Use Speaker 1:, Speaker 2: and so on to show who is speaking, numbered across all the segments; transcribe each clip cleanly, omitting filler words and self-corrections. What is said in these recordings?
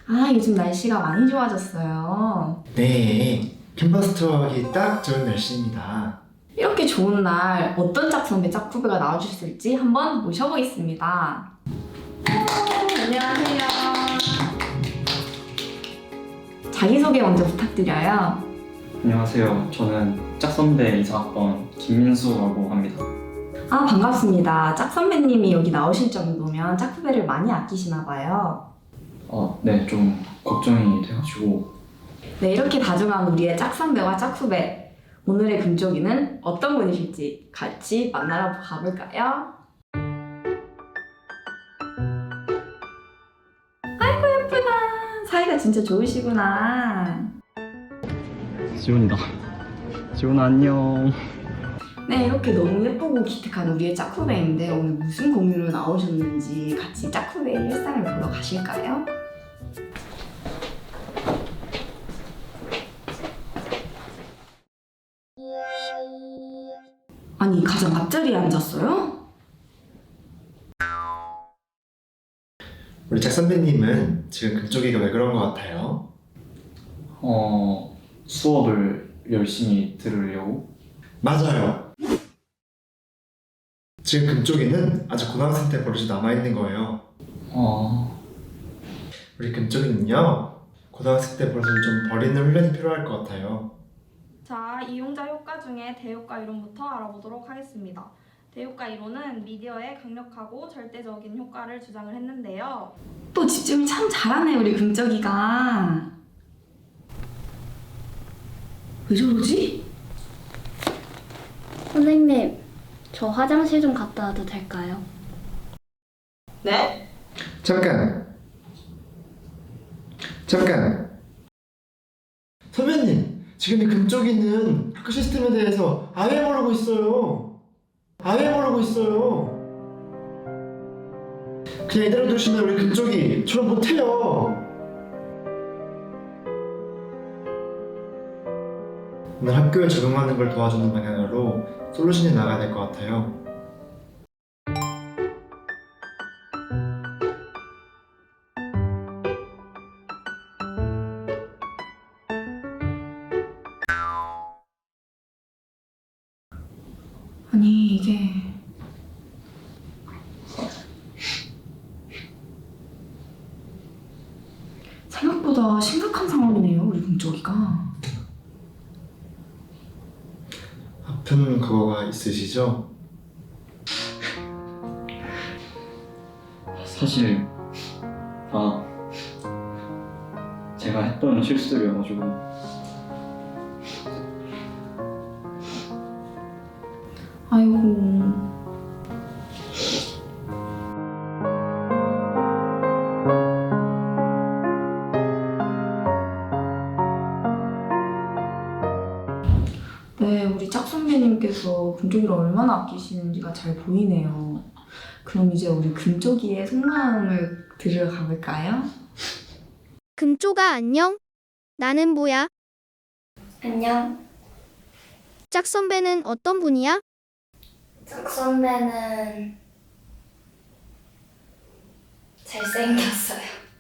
Speaker 1: 요즘 날씨가 많이 좋아졌어요.
Speaker 2: 네, 캔버스 투어하기 딱 좋은 날씨입니다.
Speaker 1: 이렇게 좋은 날 어떤 짝선배 짝후배가 나와주실지 한번 모셔보겠습니다. 안녕하세요. 자기소개 먼저 부탁드려요.
Speaker 3: 안녕하세요. 저는 짝선배 이사학번 김민수라고 합니다.
Speaker 1: 반갑습니다. 짝선배님이 여기 나오실 정도면 짝후배를 많이 아끼시나 봐요.
Speaker 3: 네, 좀 걱정이 돼가지고.
Speaker 1: 네, 이렇게 다정한 우리의 짝선배와 짝후배. 오늘의 금쪽이는 어떤 분이실지 같이 만나러 가볼까요? 아이고 예쁘다. 사이가 진짜 좋으시구나.
Speaker 3: 지훈이다. 지훈아 안녕.
Speaker 1: 네, 이렇게 너무 예쁘고 기특한 우리의 짝후배인데 오늘 무슨 공유로 나오셨는지 같이 짝후배의 일상을 보러 가실까요? 아니, 가장 앞자리에 앉았어요?
Speaker 2: 우리 짝 선배님은 지금 금쪽이가 왜 그런 것 같아요?
Speaker 3: 수업을 열심히 들으려고.
Speaker 2: 맞아요. 지금 금쪽이는 아직 고등학생 때 버릇이 남아있는 거예요. 우리 금쪽이는요, 고등학생 때 버릇을 좀 버리는 훈련이 필요할 것 같아요.
Speaker 1: 자, 이용자 효과 중에 대효과 이론부터 알아보도록 하겠습니다. 대효과 이론은 미디어의 강력하고 절대적인 효과를 주장을 했는데요. 또 집중을 참 잘하네, 우리 금쪽이가. 왜 저러지?
Speaker 4: 선생님, 저 화장실 좀 갔다 와도 될까요?
Speaker 1: 네?
Speaker 2: 잠깐. 선배님, 지금 이 금쪽이는 학교 시스템에 대해서 아예 모르고 있어요. 그냥 이대로 두시면 우리 금쪽이 졸업 못해요. 오늘 학교에 적응하는 걸 도와주는 방향으로 솔루션이 나가야 될 것 같아요.
Speaker 1: 아니, 이게... 생각보다 심각한 상황이네요, 우리 금쪽이가.
Speaker 2: 아픈 그거가 있으시죠?
Speaker 3: 사실 다 제가 했던 실수들이어가지고.
Speaker 1: 아이고... 네, 우리 짝선배님께서 금쪽이를 얼마나 아끼시는지가 잘 보이네요. 그럼 이제 우리 금쪽이의 속마음을 들으러 가볼까요?
Speaker 5: 금쪽아 안녕? 나는 뭐야?
Speaker 4: 안녕.
Speaker 5: 짝 선배는 어떤 분이야?
Speaker 4: 짝 선배는 잘생겼어요.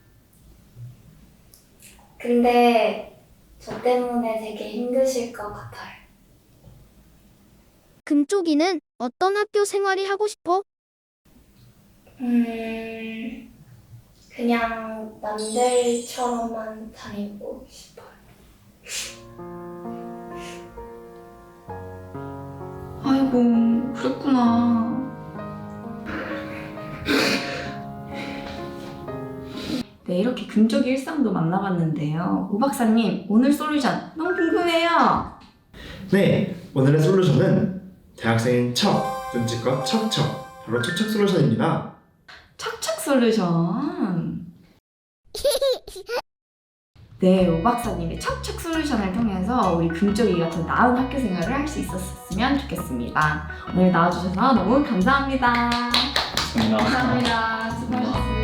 Speaker 4: 근데 저 때문에 되게 힘드실 것 같아요.
Speaker 5: 금쪽이는 어떤 학교 생활이 하고 싶어?
Speaker 4: 그냥 남들처럼만 다니고 싶어요.
Speaker 1: 아이고, 그랬구나. 네, 이렇게 금쪽이 일상도 만나봤는데요. 오 박사님, 오늘 솔루션 너무 궁금해요.
Speaker 2: 네, 오늘의 솔루션은 대학생인 척, 눈치껏 척척, 바로 척척 솔루션입니다.
Speaker 1: 척척 솔루션. 네, 오 박사님의 척척 솔루션을 통해서 우리 금쪽이가 더 나은 학교 생활을 할 수 있었으면 좋겠습니다. 오늘 나와주셔서 너무 감사합니다.
Speaker 3: 감사합니다.
Speaker 1: 감사합니다. 수고하셨습니다.